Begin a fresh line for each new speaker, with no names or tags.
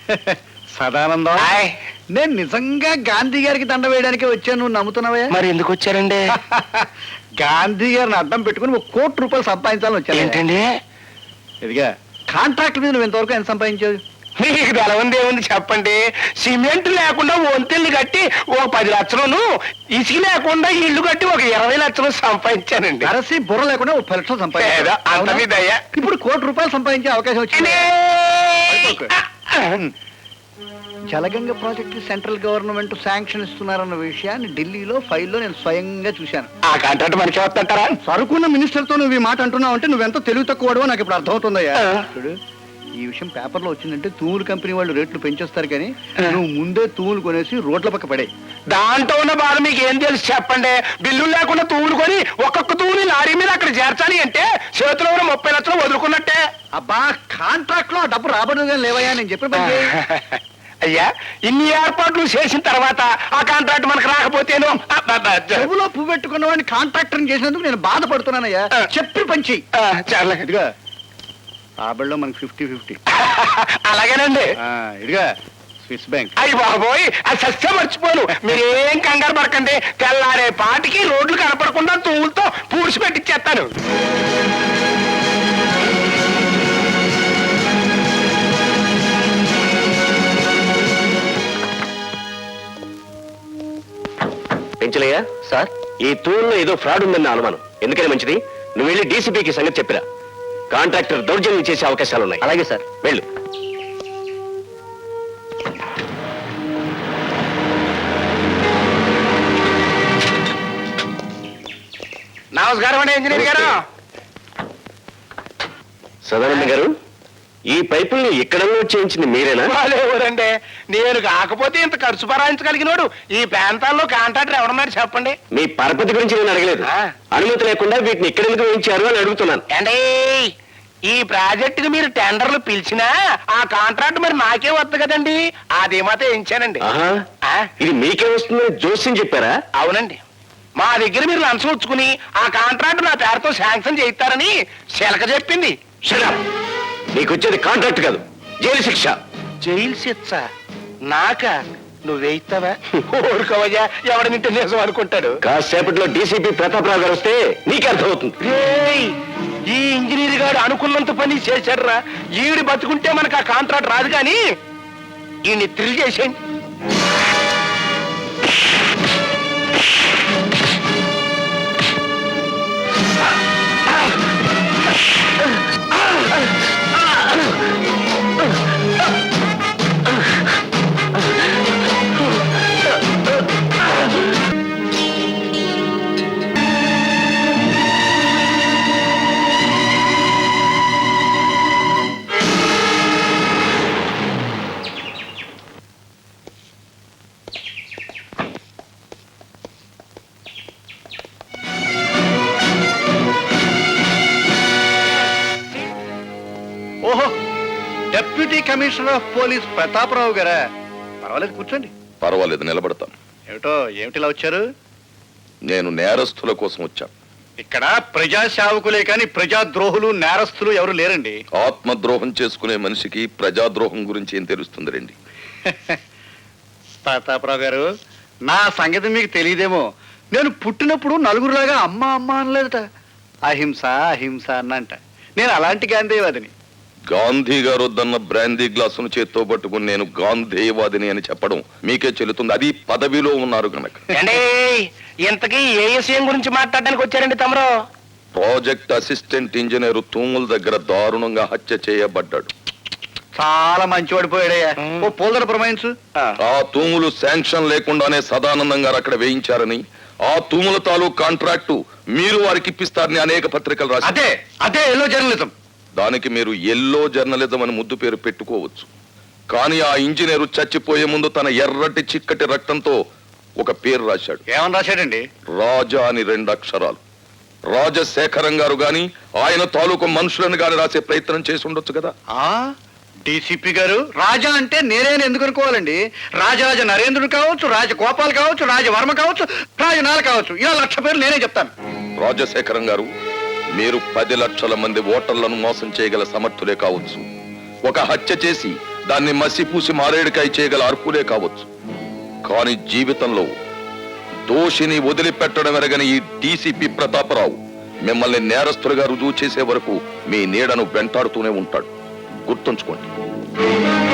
సదానందం, నేను నిజంగా గాంధీ గారికి దండ వేయడానికి వచ్చాను, నువ్వు నమ్ముతున్నావా?
మరి ఎందుకు వచ్చారండి?
గాంధీ గారిని అడ్డం పెట్టుకుని ₹1,00,00,000 సంపాదించాలని వచ్చాను.
ఏంటండి?
ఇదిగా కాంట్రాక్ట్ మీద నువ్వు ఇంతవరకు ఎంత సంపాదించావు?
మీకు బలవంది ఏముంది చెప్పండి. సిమెంట్ లేకుండా వంతెల్ని కట్టి ఒక 10 లక్షలను, ఇసుక లేకుండా ఇల్లు కట్టి ఒక 20 లక్షలు సంపాదించానండి.
అరసి బుర్ర లేకుండా ₹30,00,000
ఏదో అంత మీద
సంపాదించా.
అయ్యా.
ఇప్పుడు ₹1,00,00,000 సంపాదించే అవకాశం వచ్చింది. Jalaganga project central government sanction ఇస్తున్నారన్న విషయాన్ని ఢిల్లీలో ఫైల్లో నేను స్వయంగా చూశాను.
ఆ కాంట్రాక్ట్ మనకి వస్తుంటారా?
సరుకున్న మినిస్టర్ తో నువ్వు ఈ మాట అంటున్నావు అంటే నువ్వెంత తెలివి తక్కువడో నాకు ఇప్పుడు అర్థమవుతుందయ్యా. చూడు, ఈ విషయం పేపర్లో వచ్చిందంటే తూములు కంపెనీ వాళ్ళు రేట్లు పెంచేస్తారు, కానీ నువ్వు ముందే తూములు కొనేసి రోడ్ల పక్క పడే.
దాంట్లో ఉన్న బాధ మీకు ఏం తెలుసు చెప్పండి. బిల్లులు లేకుండా తూములు కొని ఒక్కొక్క తూముని లారీ మీద అక్కడ చేర్చాలి అంటే చేతిలో ఉన్న 30 లక్షలు వదులుకున్నట్టే.
అబ్బా, కాంట్రాక్ట్ లో డబ్బు రాబడుగా లేవయ్యా, నేను చెప్పిన పని చేయి.
అయ్యా, ఇన్ని ఏర్పాట్లు చేసిన తర్వాత ఆ కాంట్రాక్ట్ మనకు రాకపోతేను
చెవులో పువ్వు పెట్టుకున్న వాడిని కాంట్రాక్టర్ చేసినందుకు నేను బాధపడుతున్నానయ్యా. చెప్పి పంచి
చాలా
ఇదిగా రాబడిలో మనకి 50-50.
అలాగేనండి.
ఇదిగా స్విస్ బ్యాంక్.
అయ్యి బాబోయ్, అది సస్యం మర్చిపోను. మీరేం కంగారు పడకండి. తెల్లారే పాటికి రోడ్లు కనపడకుండా తూములతో పూడ్చి పెట్టిచ్చేస్తాను.
పెంచలయ్యా సార్, ఈ తూరులో ఏదో ఫ్రాడ్ ఉందన్న అనుమానం. ఎందుకని మంచిది, నువ్వు వెళ్ళి డీసీపీకి సంగతి చెప్పిరా. కాంట్రాక్టర్ దౌర్జన్యం చేసే అవకాశాలున్నాయి. అలాగే సార్, వెళ్ళు.
నమస్కారం అండి ఇంజనీర్ గారు.
సదానంద గారు, ఈ పైపుల్ని ఇక్కడ చేయించింది మీరేనా?
వాళ్ళెవరండి, నేను కాకపోతే ఇంత ఖర్చు భరాయించగలిగినోడు ఈ ప్రాంతాల్లో కాంట్రాక్టర్ ఎవరన్నారు చెప్పండి.
మీ పరపతి గురించి నేను అడగలేదు. అనుమతి లేకుండా వీటిని ఇక్కడెందుకు వేయించారు అని అడుగుతున్నాను.
అండి, ఈ ప్రాజెక్టుకి మీరు టెండర్లు పిలిచినా ఆ కాంట్రాక్ట్ మరి నాకే వద్దు కదండి. అది మాత్రం వేయించానండి.
ఇది మీకే వస్తుందని జోస్యం చెప్పారా?
అవునండి, మా దగ్గర మీరు లంచం వచ్చుకుని ఆ కాంట్రాక్ట్ నా పేరుతో శాంక్షన్ చేయిస్తారని శిలక చెప్పింది.
నీకు వచ్చేది కాంట్రాక్ట్ కాదు, జైలు శిక్ష.
జైలు శిక్ష నాక? నువ్వేయిస్తావా? ఊరుకోవయ్యా, ఎవడనింటే నిజం అనుకుంటాడు.
కాసేపట్లో డీసీపీ ప్రతాపరావు గారు వస్తే నీకే అర్థమవుతుంది.
ఈ ఇంజనీర్ గారు అనుకున్నంత పని చేశాడురా. ఈవిడి బతుకుంటే మనకు ఆ కాంట్రాక్ట్ రాదు, కానీ ఈయన్ని థ్రిల్ చేసేయండి.
ఓహో, deputy commissioner of police Prataparao గారా? పర్వాలేదు, కూర్చోండి.
పర్వాలేదు, నిలబడతాను.
ఏమిటిలా వచ్చారు?
నేను నేరస్తుల కోసం వచ్చాను.
ఇక్కడ ప్రజా సేవకులే కానీ ప్రజాద్రోహులు నేరస్తులు ఎవరు లేరండి.
ఆత్మద్రోహం చేసుకునే మనిషికి ప్రజాద్రోహం గురించి ఏం తెలుస్తుంది రండి.
ప్రతాపరావు గారు, నా సంగతి మీకు తెలియదేమో. నేను పుట్టినప్పుడు నలుగురులాగా అమ్మ అమ్మ అనలేదట, అహింస అహింస అన్నంట. నేను అలాంటి గాంధీవాదిని.
గాంధీ గారు వద్దన్న బ్రాందీ గ్లాసును చేత్తో పట్టుకుని నేను గాంధీవాదిని అని చెప్పడం మీకే చెల్లుతుంది. అది పదవిలో ఉన్నారు కనుక.
ఇంతకీ ఏ విషయం గురించి మాట్లాడడానికి వచ్చారండి తమరు?
ప్రాజెక్ట్ అసిస్టెంట్ ఇంజనీర్ తూముల దగ్గర దారుణంగా హత్య చేయబడ్డాడు.
చాలా మంచివాడు పోయాడయ్యా. ఓ పోల్దర ప్రమాయించు.
ఆ తూములు శాంక్షన్ లేకుండానే సదానందం గారు అక్కడ వేయించారని, ఆ తూముల తాలూకు కాంట్రాక్టు మీరు వారికి ఇప్పిస్తారని అనేక పత్రికలు రాశారు.
అదే అదే ఎల్లో జర్నలిజం.
దానికి మీరు ఎల్లో జర్నలిజం అని ముద్దు పేరు పెట్టుకోవచ్చు, కానీ ఆ ఇంజనీరు చచ్చిపోయే ముందు తన ఎర్రటి చిక్కటి రక్తంతో ఒక పేరు రాశాడు.
ఏమని రాశాడండి?
రాజా అని 2 అక్షరాలు. రాజశేఖరం గారు గాని ఆయన తాలూకు మనుషులను గాని రాసే ప్రయత్నం చేసి ఉండొచ్చు కదా.
డీసీపీ గారు, రాజా అంటే నేనే ఎందుకు అనుకోవాలండి? రాజరాజ నరేంద్రుడు కావచ్చు, రాజగోపాల్ కావచ్చు, రాజవర్మ కావచ్చు, రాజనాల కావచ్చు, ఇలా 1,00,000 పేర్లు నేనే చెప్తాను.
రాజశేఖరం గారు, మీరు 10 లక్షల మంది ఓటర్లను మోసం చేయగల సమర్థులే కావచ్చు. ఒక హత్య చేసి దాన్ని మసిపూసి మారేడుకాయ చేయగల అర్హులే కావచ్చు. కానీ జీవితంలో దోషిని వదిలిపెట్టడం ఎరగని ఈ డీసీపీ ప్రతాపరావు మిమ్మల్ని నేరస్తులుగా రుజువు చేసే వరకు మీ నీడను వెంటాడుతూనే ఉంటాడు. గుర్తుంచుకోండి.